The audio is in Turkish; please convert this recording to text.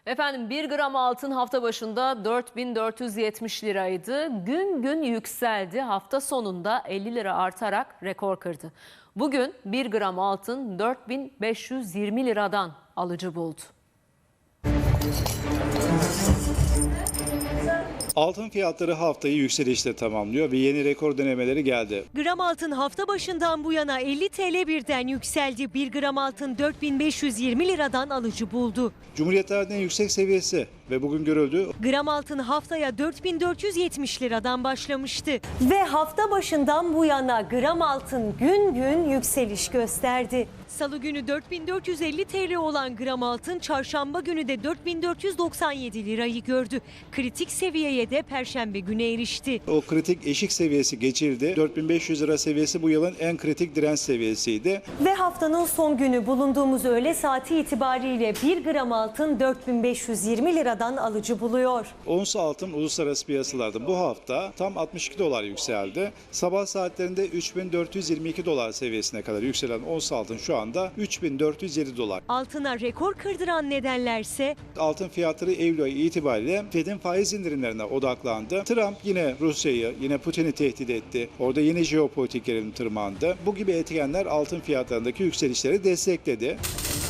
Efendim 1 gram altın hafta başında 4470 liraydı. Gün gün yükseldi. Hafta sonunda 50 lira artarak rekor kırdı. Bugün 1 gram altın 4520 liradan alıcı buldu. Altın fiyatları haftayı yükselişle tamamlıyor ve yeni rekor denemeleri geldi. Gram altın hafta başından bu yana 50 TL birden yükseldi. 1 gram altın 4520 liradan alıcı buldu. Cumhuriyet tarihinin en yüksek seviyesi ve bugün görüldü. Gram altın haftaya 4470 liradan başlamıştı. Ve hafta başından bu yana gram altın gün gün yükseliş gösterdi. Salı günü 4450 TL olan gram altın çarşamba günü de 4497 lirayı gördü. Kritik seviyeye de perşembe günü erişti. O kritik eşik seviyesi geçildi. 4500 lira seviyesi bu yılın en kritik direnç seviyesiydi. Ve haftanın son günü bulunduğumuz öğle saati itibariyle 1 gram altın 4520 liradan alıcı buluyor. Ons altın uluslararası piyasalarda bu hafta tam 62 dolar yükseldi. Sabah saatlerinde 3422 dolar seviyesine kadar yükselen ons altın şu anda 3407 dolar. Altına rekor kırdıran nedenlerse Altın fiyatları Eylül ayı itibariyle Fed'in faiz indirimlerine odaklandı. Trump yine Rusya'yı, yine Putin'i tehdit etti. Orada yine jeopolitik gerilim tırmandı. Bu gibi etkenler altın fiyatlarındaki yükselişleri destekledi.